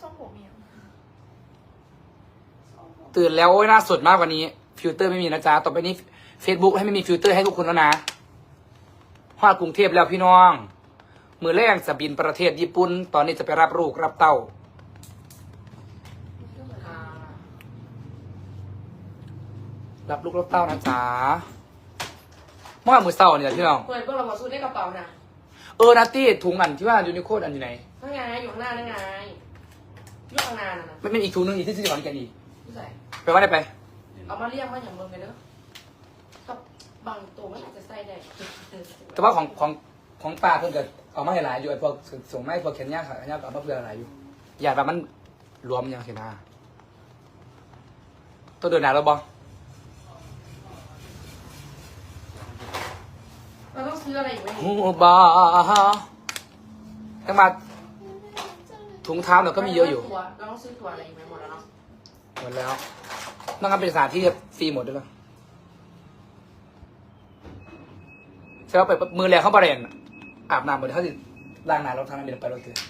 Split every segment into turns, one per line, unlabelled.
ทรงผมเมีย
ตื่นแล้วโอ้ยน่าสดมากกว่านี้ฟิลเตอร์ไม่มีนะจ๊ะต่อไปนี้ Facebook ให้ไม่มีฟิลเตอร์ให้ทุกคนแล้วนะฮอดกรุงเทพแล้วพี่น้องมือแรกจะบินประเทศญี่ปุ่นตอนนี้จะไปรับลูกรับเต้ารับลูกรับเต้านะจ๊ะเมื่อมือเศร้าเนี่ยพี่น้อง
เปิดเพื่อเรามาซื้อในกระเป๋าน่ะ
นาตี้ถุงอันที่ว่ายูนิโคดอันอยู่ไหน
นั่นไงอยู่ข้างหน้านั่นไงอยู่ข้างหน้าน่ะนะ
ไม่อีกถุงนึงอีกที่ซื้อก่อนกันอีก
ผู้ใส่
ไปว่าได้ไป
เอามาเรียกว่าอย่างเมืองเลยเด้อกับบางตัวไม่อาจจะใส่ได้
แต่ว่าของป้าเพิ่นก็เอามาให้หลายอยู่ไอ้พวกส่งไม้พวกแขนยาวขาแขนยาวก็เอามาเพื่อหลายอยู่อยากแบบมันรวมยังเห็นหน้าตัวเดินหนาแล้วบอ
เราต้องซื้ออะไรอีกไหม
หูบาทั้งมาถุงเท้าเราก็มีเยอะอยู่
เราต้องซื้อถั่วอะไรอีกไหมหมดแล้วเนาะ
หมดแล้วต้องทำเป็นสถานที่ฟรีหมดด้วยเหรอใช่ว่าไปมือแรงเข้าบริเวณอาบน้ำหมดเขาสิล้างน้ำเราทำน้ำเป็นไปรถเถื่อน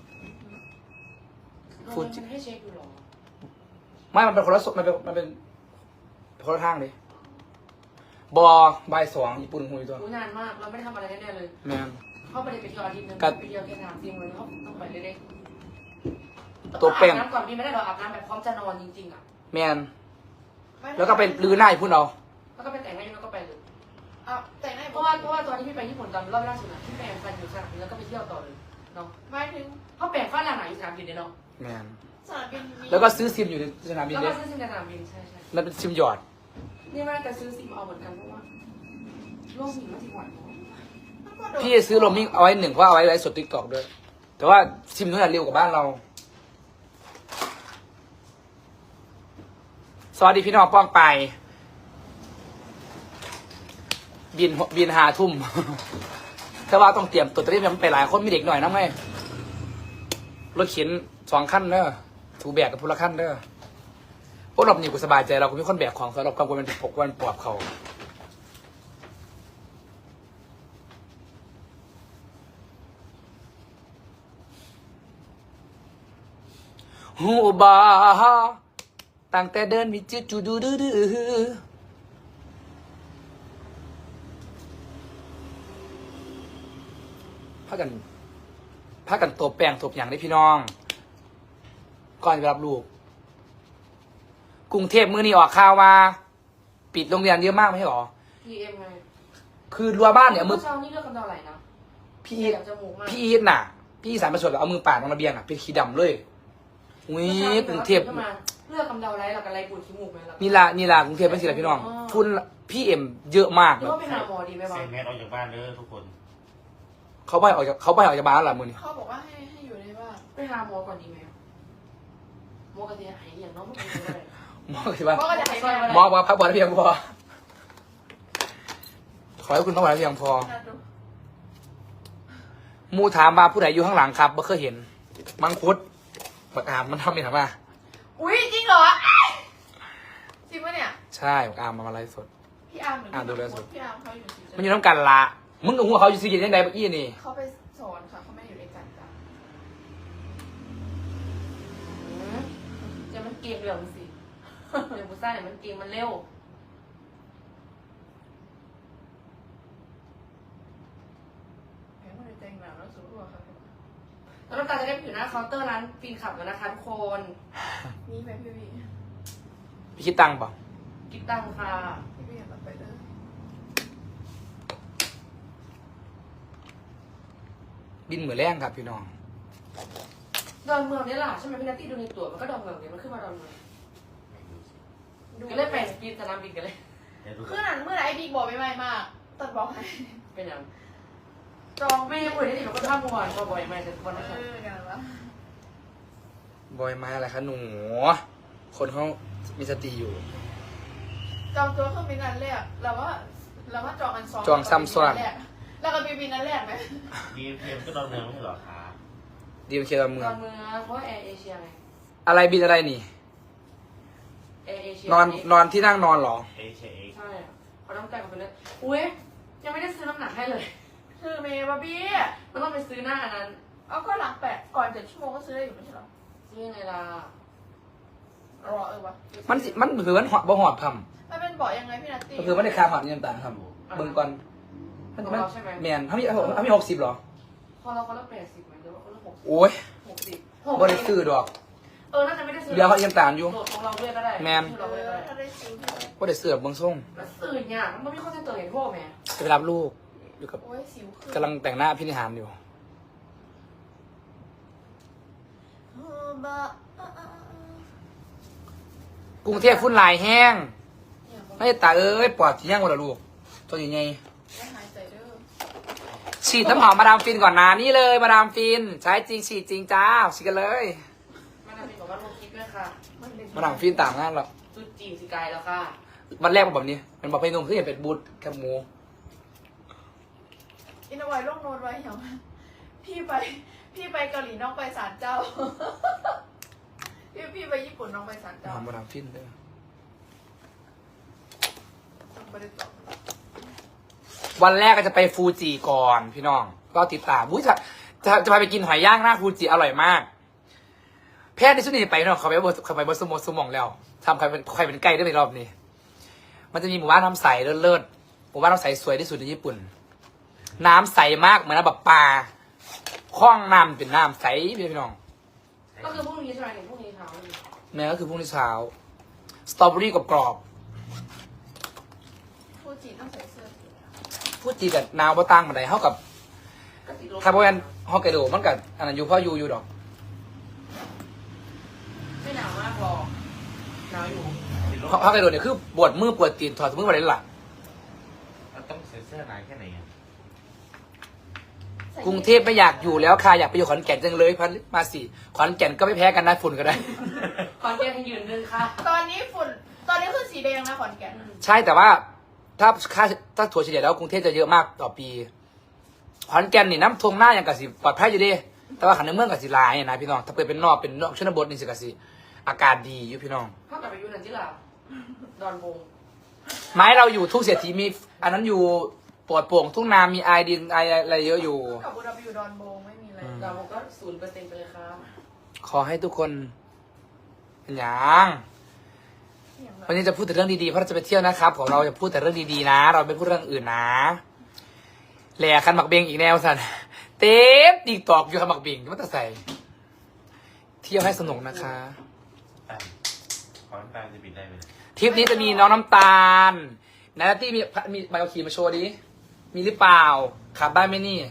ฟูจิให้เช็คดูหรอ
ไม่มันเป็นคนละสมันเป็นคนละทางเลยบอบ่ายสองญี่ปุ่นหุยตัว
รู้นานมากเราไม่ได้ทำอะไรแน่เลย
แมน
เขาไปเที่ยวอาทิตย์นึงไปเที่ยวแค่3 4 วันเขาต้องไปเรื่อยๆ
ตัวแป้ง
อาบน้ำก่อนพี่ไม่ได้หรออาบน้ำแบบพร้อมจะนอนจริงๆอ่ะ
แมนแล้วก็เป็นรื้อหน้าญี่ปุ่นเอา
แล้วก็ไปแต่งหน้าแล้วก็ไปเลย
อ้าวแต่งให้
เพราะว่าตอนที่พี่ไปญี่ปุ่นตอนรอบล่าสุดพี่แปลงฟันอยู่สนามบินแล้วก็ไปเที่ยวต่อเลยเนาะ
หมายถึง
เขาแปลงฟันหลังไหนอยู่สนามบินเนาะ
แมน
สนามบินมี
แล้วก็ซื้อซิมอยู่ในสนามบิน
แล้ว
เล
ก็
ย
ซื้อซิมในสนามบินใช่
นั่นเป็นซิมหยอด
นี่ว่าจะซื้อซิมเอาเหมือนกันเพราะว่าโลกหิมะที่หวานเนาะ
พี่ซื้อโรมมิ่งเอาไว้1เพราะเอาไว้ไลฟ์สดติ๊กต็อกด้วย แต่ว่าซิมนู้นเร็วกว่าบ้านเรา สวัสดีพี่น้องป้องไป บิน5 ทุ่ม แต่ว่าต้องเตรียมตัวเตรียมไปหลายคนมีเด็กหน่อยนะไงรถเข็น2 ขั้นเด้อถูแบกกับพละขั้นเด้อพวกเราอยู่กูสบายใจเราก็มีคนแบกของสำหรับกังวลมันปกวันปวดเขาหูบาตั้งแต่เดินมิจิจูดูดูดูพากันตบแป้งตบอย่างได้พี่น้อง ก่อนจะไปรับลูก กรุงเทพมื้อนี้ออกข่าวว่าปิดโรงเรียนเยอะมากไม่ใช่หรอ
PM ไง
คือรั้วบ้านเนี่ย
เมื่
มื
อ
อ
เช้านี่เลือกกันเท่าไหร่นะ
พี่อีท
จมูกมาก
พี่อีทน่ะ พี่อีสานประชดเอามือปาดตรงระเบียงอ่ะเป็นขีดำเลยอุ้ยกรุงเทพ
เลือกกำเดาไรหรอกอะไรปวดขี้มูกไหมล่ะ
นี่ล่ะกรุงเทพเป็นสิละพี่น้องฝุ่นพี่เอ็มเยอะมาก
หรือว่าไปหาหมอดีไหมบ้า
ใส่
ง
แมสออกจากบ้านเลยทุกคน
เขาไปออกจากบ้านแล้วมือนี่
เขาบอกว่าให้อยู่ในบ้าน
ไปหาหมอก่อนดีไหมหมอกระเทียมหายอย่างน้องไม่เป็นไร
หมอคือว่า
เพราะก็จะให้แม่
หมอว่าพักผ่อนให้เพียงพอขอให้คุณพักผ่อนให้เพียงพอ
น่าดู
หมูถามมาผู้ใดอยู่ข้างหลังครับไม่เคยเห็น มังคุดบักอามมันทำไม่ถามว่า
อุ้ยจริงเหรอจริงปะเนี่ย
ใช่บักอามมาไลฟ์สด
พี่อาร์มเหมือน
ดูเลยสุด
พี่อาร์มเขาอยู่สี
มันอยู่น้ำกันละมึงกับหัวเขาอยู่ซีกินยังไงเมื่อกี้นี่
เขาไปสอนค่ะเขาไม่อยู่ในกันจ้ะ
จะมันเกมเรื่องสิเดี๋ยวกูซ่าเนี่ยมันเกมมันเร็ว
แหมคนในใจหนาวแล้วสู้อะค่ะ
แล้วน้ำตาลจะได้ไปอยู่หน้าเคาน์เตอร์ร้านปีนขับแล้วนะคะทุกคน
นี่ไหมพี่วี
พี่คิดตังค์เปล่า
กิบตังค่ะ
พี่วีอยากกลับไปเลย
บินเหมือนแรงครับพี่น้อง
ดอนเมืองนี่แหละใช่ไหมพี่นัตตี้ดูในตั๋วมันก็ดอนเมืองเนี่ยมันขึ้นมาดอนเมืองก็เลยไปกินสนามบินกันเลย
เดี๋ยวดู
คือนั้นเมื่อไหร่ไอ้บิ๊กบอกไม่ไม่มากตัดบอกให้
เป็นยัง
จอง
ไม่ยังคุยได้ที่มันก็ท่าเมื่อวานก็บ่อยมากแต่วันนั้น
กันวะ
บอยมาอะไรคะหนู คนเขามีสติอยู่
จองตัวเครื่องบินนั้นแรกเราว่าจองอันสอง
จองซ้ำซ้อน
แล้วก็บินนั้นแรกไหม
ดีเพียมก็ดอนเมืองไม่ใช่เหรอคะ
ดีเคดอนเมื
ด
อ
อง นเมืองเพราะแอร์เอเชียไง
อะไรบินอะไรนี่
แอร์เอเชีย
นอนที่นั่งนอนเหรอ
เอเชเอ็ก
ใช่เขาต้องจ่ายกันไปเลยอุ้ยยังไม่ได้ซื้อน้ำหนักให้เลย
คือเมย์บาร์บี้
มันต้องไปซื้อหน้าอันนั้น
เอาก็หลัง8 ก่อน7 ชั่วโมงก็ซื้อได้อยู่ไม่ใช่หรอ
ซซื้อยังไงล่ะ
รอวะ
มันคือมันหอดบ่หอดท
มันเป็นเบาะยังไงพี่นัตตี้
ำก็คือมันได้คาหอดนี่ต่างๆทำเบิ่งก่อนมันแมนเขามี60หรอ
พอเราคนละ80ไหมหรือว่าคนละ60
โอ้ย
60
บ่ได้ซื้อดอก
น่าจะไม่ได้ซื้อ
เดี๋ยวเขายังต่างอยู่
โหลดของเราด้วยก็ได้
แมน
เราด้วยก็ได้
ถ้าได้ซื้อพี่
บ่ได้ซื้อแบบเบิ่งส่ง
แล้วซื้อเนี่ยมันไม่มีข้อเสนอเห็นพวกแม่
จะไปรับลูกอยู่กับ
โอ้ยสิวขึ้น
กำลังแต่งหน้าพินิหารอยู่ กรุงเทพฝุ่นหลายแห้งไม่ตาเอ้ยปอดสิย่างบ่ล่ะลูกตัวใหญ่
ไม่หายใจเด้อ
ๆฉีดน้ำหอมมาดามฟินก่อนนะนี่เลยมาดามฟินใช้จริงฉีดจริงจ้าฉีดกันเลย
มันจะมีบอกว่าลงคลิปด้วยค่ะ
มาดามฟินต่างงานหรอก
จุดจีนสิกายแล้วค่ะ
วันแรกมันแบบนี้มันบอกไปนุ่มคือเห็นเป็นบูธแคบหมู
อินเอาไว้ลงโน้ตไว้เหรอพี่ไปเกาหลีน้องไปศาลเจ้า พี่ไปญี่ปุ่นน้องไปศาลเจ้า
มาดามฟินเด้อ
ไม่ได้ตอบ
วันแรกก็จะไปฟูจิก่อนพี่น้อง ก็ติดตามจะพาไปกินหอยย่างหน้าฟูจิอร่อยมาก แพทย์ในชุดนี้ไปเนาะเขาไปบนสมองแล้วทำใครเป็นไก่ได้ในรอบนี้ มันจะมีหมู่บ้านน้ำใสเลิศๆหมู่บ้านน้ำใสสวยที่สุดในญี่ปุ่น น้ำใสมากเหมือนน้ำแบบปลาคล้องน้ำเป็นน้ำใสพี่น้อง
ก็คือพรุ่งนี้ใช่ไหมเห็นพรุ่งนี้เช้าเลย
แม่ก็คือพรุ่งนี้เช้าสตรอเบอรี่กรอบ
ฟูจิต้องใส่เสื้อสี
ๆฟูจิกับนาวบ่ตั้งมาได้เท่ากับ
ก็ติดลม
ถ้าเพราะงั้นฮอกไกโดมันกับอันนั้นอยู่เพราะอยู่ดอก
ไม่หนาวมากหรอกหนาวอยู่
ฮอกไกโดเนี่ยคือปวดมือปวดตีนถอดมือมาเลยหลัง
ต้องใส่เสื้อหนาแค่ไหนอะ
กรุงเทพไม่อยากอยู่แล้วค่ะอยากไปอยู่ขอนแก่นจังเลยพันมาสิขอนแก่นก็ไม่แพ้กันนะฝุ่นก็ได้
ขอนแก่นให้ยืนนึงค่ะ
ตอนนี้คือสีแดงนะขอนแก่น
ใช่แต่ว่าถ้าถั่วเฉลี่ยแล้วกรุงเทพจะเยอะมากต่อปีขอนแก่นนี่น้ำท่วมหน้าอย่างกะสิปลอดภัยอยู่ดีแต่ว่าขันในเมืองกะสิหลายนะพี่น้องถ้าเปิดเป็นนอกชนบทนี่สิกะสิอากาศดีอยู่พี่น้อง
ถ้ากลับไปอยู่นั่นจิล่ะดอนบง
ไม้เราอยู่ทุ่งเศรษฐีมีอันนั้นอยู่ปลอดโปร่งทุ่งนามีไอดินไออะไรเยอะอยู่
กับอุดรอยู่ดอนโบงไม่มีอะไร
ดอนบงก็0%ไปเลยค่ะ
ขอให้ทุกคนเป็นอย่าง
อย่างไร
วันนี้จะพูดแต่เรื่องดีๆเพราะเราจะไปเที่ยวนะครับของเราจะพูดแต่เรื่องดีๆนะ เราไม่พูดเรื่องอื่นนะแหล่คันหมักเบงอีกแนวสันเต็มตีตอกอยู่คันหมักเบงมันจะใส่เที่ยวให้สนุกนะคะ
ขอน้ำตาลจะบินได้ไหม
ทริปนี้จะมีน้องน้ำตาลนาตี้มีใบขับขี่มาโชว์ดิมีหรือเปล่าขับได้ไหมนี่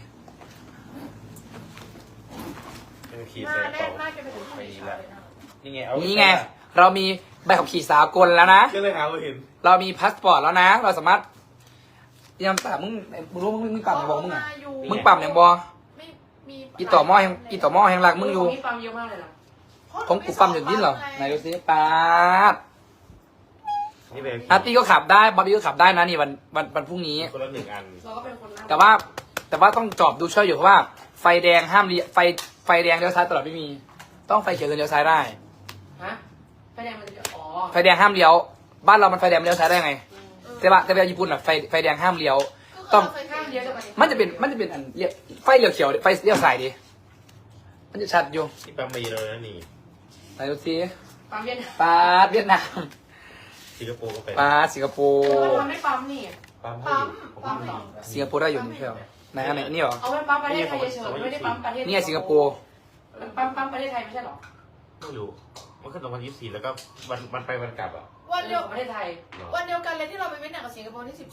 ขี่
หน้า
ใส่
แน่
เป่าน
หน้าจะไปถึงที่ไหนเลยนะ
นี่ไงเอา
นี่ไง เรามีใบขับขี่สากลแล้วนะ
ก็เลยหาว่าเห็น
เรามีพาสปอร์ตแล้วนะ เราสามารถยังแต่มึงรู้มึงปั๊มยังบอกมึงอ่ะ มึงปั๊มยังบอ
ไม่มี
อีต่อหม้อแห่งหลักมึงอยู่
มีปั๊มเยอะมากเลยนะ
ผมกูปั๊มอยู่นี่เหรอไหนดูสิป๊าด
นี่เป็น
อาร์ตี้ก็ขับได้บอบบี้ก็ขับได้นะนี่วันพรุ่งนี้
คนละ1 อัน
เราก็เป็นคนนั่ง
แต่ว่าต้องจอบดูช่วยอยู่เพราะว่าไฟแดงห้ามไฟแดงเลี้ยวซ้ายตลอดไม่มี ต้องไฟเขียวเลี้ยวซ้ายได้
ฮะไฟแดงมันจะอ๋อ
ไฟแดงห้ามเลี้ยวบ้านเรามันไฟแดงเลี้ยวซ้ายได้ไงแต่ว่าญี่ปุ่นอ่ะไฟแดงห้ามเลี้ยว ต้อง
ข้ามเลี้ยวจะไป
มันจะเป็นอันเรียกไฟเลี้ยวเขียวไฟเลี้ยวซ้ายดิมันจะชัดอยู่
นี่ปั๊มมีเลยนะนี่
ไหนดูสิ
ปั๊มเย็น
ปาดเวียดนาม
สิงคโปร์ก็เป็น
ปาดสิงคโปร์
มันทำไม่ปั๊มนี่
ปั๊ม
ปั๊ม
ให้
ปั๊ม
ผม
สิงคโปร์ได้อยู่นี่ใช่ไหมไหนอันไหนนี่เหรอ
เอาไว้ปั๊มประเทศไทยเฉยๆไม่ได้ปั๊มประเทศ
นี่ไงสิงคโปร์
ปั๊มประเทศไทยไม่ใช่หรอ
ไม่รู้มันขึ้นตรงวัน24แล้วก็วันไปวันกลับอ่ะ
วันเดียว
ประเทศไทย
วันเดียวกันเลยที่เราไปเวียดนามกับสิงคโปร์ที่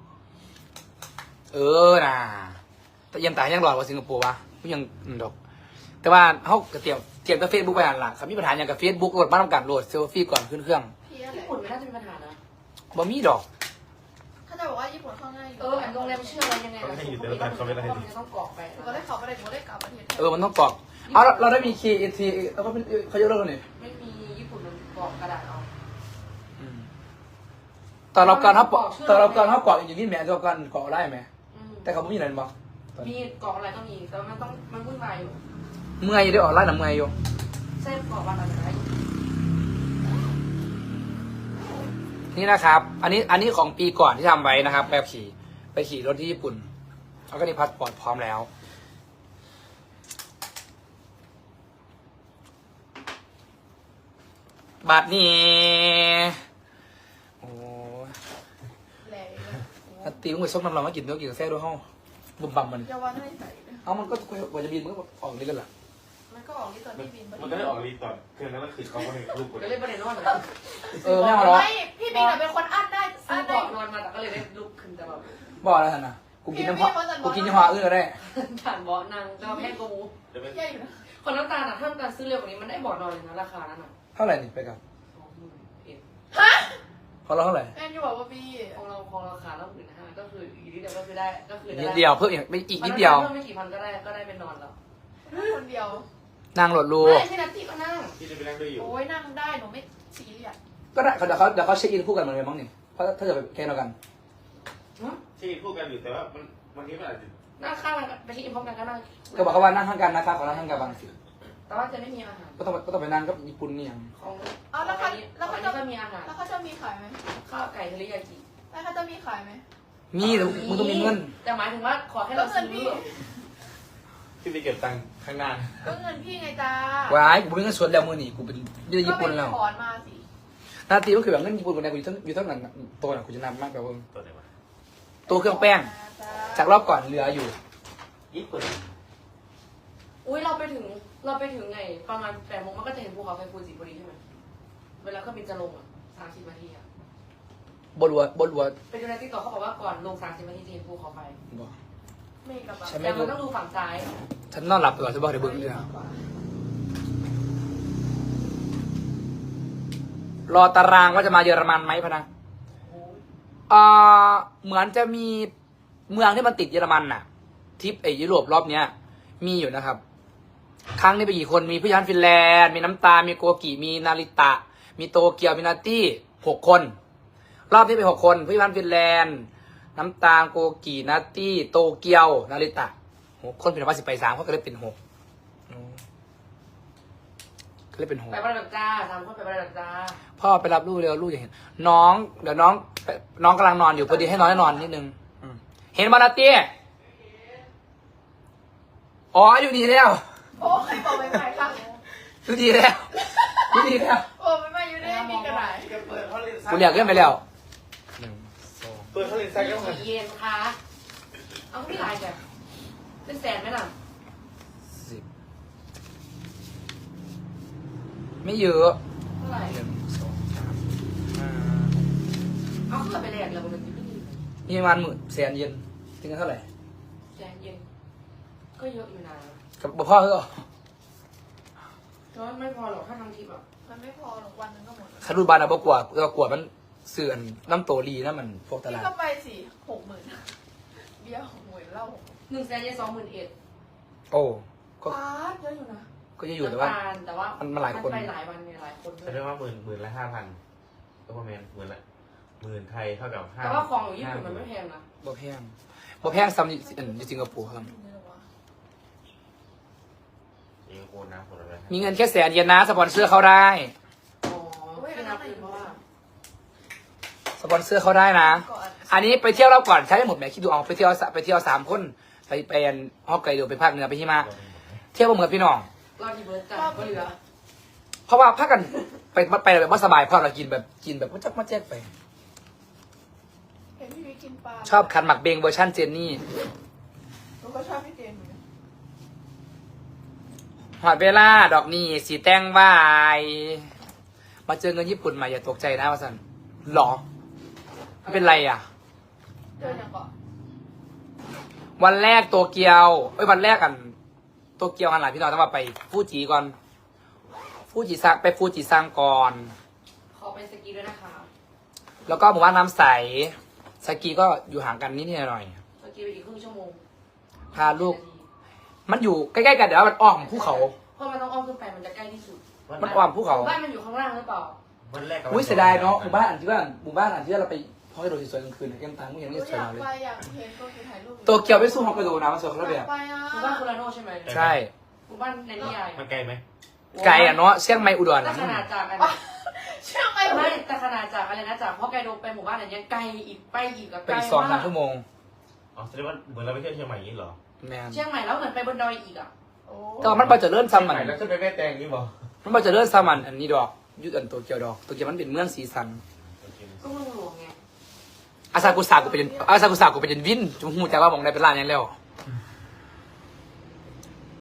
14
เออน่ะแต่ยังตายยังหลอดกว่าสิงคโปร์วะก็ยังดอก แต่ว่าเขาก็เตรียมกับเฟซบุ๊กไปอ่านหลักครับมีปัญหาอย่างกับเฟซบุ๊กโหลดบ้านทำการโหลดเซลฟี่ก่อนขึ้นเครื่อง
พี่อะไร
ญี่ปุ่นไม่น่าจะมีปัญหานะ
บ่มีดอก
เขาจะบอกว่าญี่ปุ่นเข้าง่ายอยู่
อันโรงแรมเชื่ออะไรยังไงมันจะต้องกรอกไป
ก็ได้เขาไปได้หมดได้กลับประเทศไทย
มันต้องกรอกเอาเราได้มีคีย์ทีแล้วก็เป็นเขายกเลิกแล้วนี่
ไม่มีญี่ปุ่นมันกรอกกระดาษเอา
ตอนเราการเขากรอกอย่างนี้แหมตอนการกรอกได้ไหมแต่เขาไม่มีอะไรบอก
มีกรอกอะไรก็มีแต่มันวุ่นวายอยู่
เมื่อยได้ออกไล่หนังเมื่อยอยู่
เส้นกรอกวันอะไร
นี่นะครับ อันนี้ของปีก่อนที่ทำไว้นะครับแบบไปขี่รถที่ญี่ปุ่นแล้วก็นี่พาสปอร์ตพร้อมแล้วบาทนี่โอ้ย
แหล่
นัดตีมึงไปซบน้ำร้อนมากินด้วยกินกาแฟด้วยห้องบุ่มบั่มมัน
จะว่าให้ใส่เลย
เอามันก็กว่าจะบินมันก็ออกนี่กันล่ะ
มันก็ออกที่ตอนที่บิน
มันก็ได้ออกรีตอนคืนนั้นก็คือเขาก็ให้ลูกกด
ก็เลยประเด็นนอน
เออไม่เอาหรอก
ไม่พี่บินเป็นคนอั้นได้
ซื้
อั้
อน เบาะ
ได้
นอนมาแต่ก็เลยได้ลุกขึ้นแต่แบบ
บอกแล้วท่านนะกูกินน้ำพอกูกินยี่ห้ออื่นก็ได้
ผ่านเบาะนั่งแต่ว่าแพงกว่าหมู
จะไม่
แย่อยู่นะ
คนน้ำตาลอ่ะถ้าน้ำตาลซื้อเร็วกว่านี้มันได้เบาะนอนเลยนะราคานั้นอ่ะ
เท่าไหร่นี่ไปกับ
20,000
ฮะ
เขาเราเท่าไหร่
แอนอยู่บอกว่าพี่
ของเราราคาต้อง15,000ก็คืออีกนิดเดียวก็คือได้ก็คือ
นิดเดียวเพิ่มอีกนิดเดียว
เพิ่มไม่กี่พันก็ได้เป็นนอนแล้ว
คนเดียว
นั่งรถรู
ไม่พี่นัทที่ก็นั่ง
ที่จะไปนั่งด้วยอยู่
โอ้ยนั่งได้หนูไม่ซีเรียส
ก็ได้เดี๋ยวเขาเช็คอินคู่กันเหมือนกันมั้งนี่เพราะถ้าเกิดไปแค่เดียวกัน
ที่พูดกันอยู่แต่ว่ามันวันนี้มันอาจจะ
นั่งข้างกันไปที่อินพร้อมกันก็นั่ง
ก็บอกเขาว่านั่งข้างกันนะครับขอนั่งข้างกันบางสิ
แต่ว่าจะไม่มีอาหาร
ก็ต้องไปนั่งกับญี่ปุ่นนี่ยัง
ของ
อ้าวแล้วเขาแล้ว
อั
เขา
น
จะ
นี้ก็มีอาหาร
แล้วเขาจะมีขายไหม
ข้าวไก่เทอริยากิ
แล้วเขาจะมีขายไหม
มีแต่มึงต้องมีเงิน
แต่หมายถึงว่าขอให้
ก็
เรา
เงิ
ซื้
น
อ
พี่
ที่ไปเก็บตังค์ข้างหน้า
ก็เงินพี่ไงจ้า
ว้ายกูเป็นเงินสดแล้วมือนี่กูเป็นยี่ญี่ปุ่นแล้ว
ก็ไปถอนมาสิ
นาทีก็คือแบบเงินญี่ปุ่นคนไหนกูอยู่เท่านั้นตัวน่ะกูจะนำมากแบบว่า
ตัวไหนวะ
ตัวเครื่องแป้ง จากรอบก่อนเหลืออยู่
ญี่ปุ่น
อุ้ยเราไปถึงไงประมาณ8 โมงมันก็จะเห็นภูเขาไฟฟูจิพอดีใช่ไหมเวลาเครื่องบินจะลงอ่ะ30 นาทีอ่ะ
บรัว
ไปดูในติ๊กต็อกเขาบอกว่าก่อนลง30 นาทีจะเห็นภูเขาไฟ
บอก
ไม่กระเป๋า
ฉัน
แต่
ไม่
มัน
รู้
ต้องดูฝั่งซ้าย
ฉันนอนหลับไปก่อนจะบอกเดี๋ยวเบิ่งเลยรอตารางว่าจะมาเยอรมันไหมพะนะเหมือนจะมีเมืองที่มันติดเยอรมันน่ะทริปยุโรปรอบเนี้ย มีอยู่นะครับ ครั้งนี้ไปกี่คนมีผู้ยันฟินแลนด์มีน้ำตา มีโกกิ มีนาริตะ มีโตเกียว มีนาตี้6 คน รอบนี้ไป6 คนผู้ยันฟินแลนด์ น้ำตาลโกกินาตี้โตเกียว นาริตะ6 คนเป็นว่า10 ไป 3เขาก็เลยเป็น6ก็เลยเป็น
ไปบ้านแบบจ้า3 คนไปบ้านแบบจ้า
6พ่อไปรับลูกเร็วลูกอย่าเห็น น้องเดี๋ยวน้องกำลังนอนอยู่พอดีให้น้องได้นอนนิดนึงเห็นมานาตี้อ๋ออยู่ดีแล้ว
โอ้ยบอกไปใหม่ค่ะ
อยู่ดีแล้วอยู่ดีแล้ว
โอ้ไม่ไม่อยู่ได้มีกระดาษ
เปิดเขาเรียน
กูเรียกเกินไปแล้ว
เปิดเขาเรียนไซค์ก็มา
เย็นค่ะเอาที่ลายแบบเป็นแสนไหมล่ะ
10ไม่เยอะ
เท่าไหร่
1 2 3
เอาขึ้นไปแลกเลยมันจะขึ้น
5มีประมาณ10,000 เยนถึงกันเท่าไหร่
แสนเย็นก็เยอะอยู่นะ
กับพ่อเขาก็
แต่ว่าไม่พอหรอกถ้าทำทิปอ่ะ
มันไม่พอหรอกวันนึงก็หมด
คารุบานอะบกวดก็กวดมันเสื่อนน้ำโตรีนะมันพวกต
พี่
ลาด
ก็ไปสิ60,000เบี้ย60,000เหล้า
1 แสนเย็น21,000
โอ้ก็
ป๊าดเยอะอยู่นะ
ก็จะอยู่แต่ว่า
แต่ว่า
มันหลายคน
ไปหลายวันไงหลายคนด้ว
เขา
ย
เรียกว่าหมื่นละ5,000ก็ประมาณ10,000ไทยเท่ากับ5
แต่ว่าของอยู่ญี่ปุ่นมันไม่แพงนะ
บ่แพงบ่แพงซ้ำอยู่สิงคโปร์ครับ
สิงคโปร์นะคนละ
มีเงินแค่100,000 เยนนะสปอนเซอร์เขาได้
อ๋อไม่นับคือเพราะว่า
สปอนเซอร์เขาได้นะ อันนี้ไปเที่ยวรอบก่อนใช้ได้หมดแหมคิดดูเอาไปเที่ยว3 คนไปฮอกไกโดไปภาคเหนือไปฮิมาเที่ยวบ่เหมือนพี่น้อง
รอบที่เบิร์ดจ่ายก็เหลือ
เพราะว่าพักกันไปแบบว่าสบายเพราะเรากินแบบว่าจักมาแจ๊กไป
เห็นพี่วิกินปลา
ชอบคันหมักเบงเวอร์ชันเจนนี่
หนูก็ชอบพี่เจนเหมือนกัน
หอดเวลาดอกนี่สีแต้งวายมาเจอเงินญี่ปุ่นมาอย่าตกใจนะว่าสันหรอไม่เป็นไรอ่ะ
เจออย่างก่อน
วันแรกโตเกียววันแรกกันโตเกียวกันหลายพี่น้องต้องมาไปฟูจิก่อนฟูจิซังไปฟูจิซังก่อน
ขอไปสกีด้วยนะคะ
แล้วก็หมู่บ้านน้ำใสสกีก็อยู่ห่างกันนิดหน่อย
สกีไปอีกครึ่งชั่วโมง
พาลูก มันอยู่ใกล้ๆกันเดี๋ยวมันอ้อมภูเขา
เพราะมันต้องอ้อมขึ้นไปมันจะใกล้ที่สุด
มันอ้อมภูเขา
บ้านมันอยู่ข้างล่างหรือเปล่า
วันแรก
อุ้ยเสียดายเนาะหมู่บ้านอันที่เราไปพอยโดสวยๆกลางคืนเอ็มตังค์ยัง
ห
ไม่
นู
สวย
อยาก
เลย
ไปอยากเห็นตัวถ่ายรูป
โตเกียวไปสู้ฮอกไกโดนะมันสวยคนละ
อ
แบ
ยาก
บ
ไปอ่ะ
หมู่บ้านคุราโน่ใช่ไหม
ใช่
หมู่บ้านในนิยาย
มันไกลไหม
ไกลอ่ะเนาะเชียงใหม่อุดร
แต่
นะ
ขนาดจากอัน
เชื่อไหม
ไม่แต่ขนาดจากอะไรนะจากฮอกไกโดไปหมู่บ้านอะไรเนี้ยไกลอีกไปอีกอะ
ไป
ไกล
อีก
มาก
2-3 ชั่วโมง
อ๋อแสดงว่าเหมือนเราไปเที่ยวเชียงใหม่อย่างนี้เหรอ
แมน
เชียงใหม่แล้วเหมือนไปบนดอยอีกอะ
โอ้
แต่ว่ามันพอจะเริ่มซ้ำมัน
แล้วขึ้นไปแม่แตงนี่บอก
มันพอจะเริ่มซ้ำมันอันนี้ดอกยุดอันโตเกียวดอกโตเกียวมันเป็นเมืองสีสัน
ก็เมืองหลวงไง
อาซากุสากูเป็นวินจุหูแต่ว่าบอกได้เป็นร้านยังแล้ว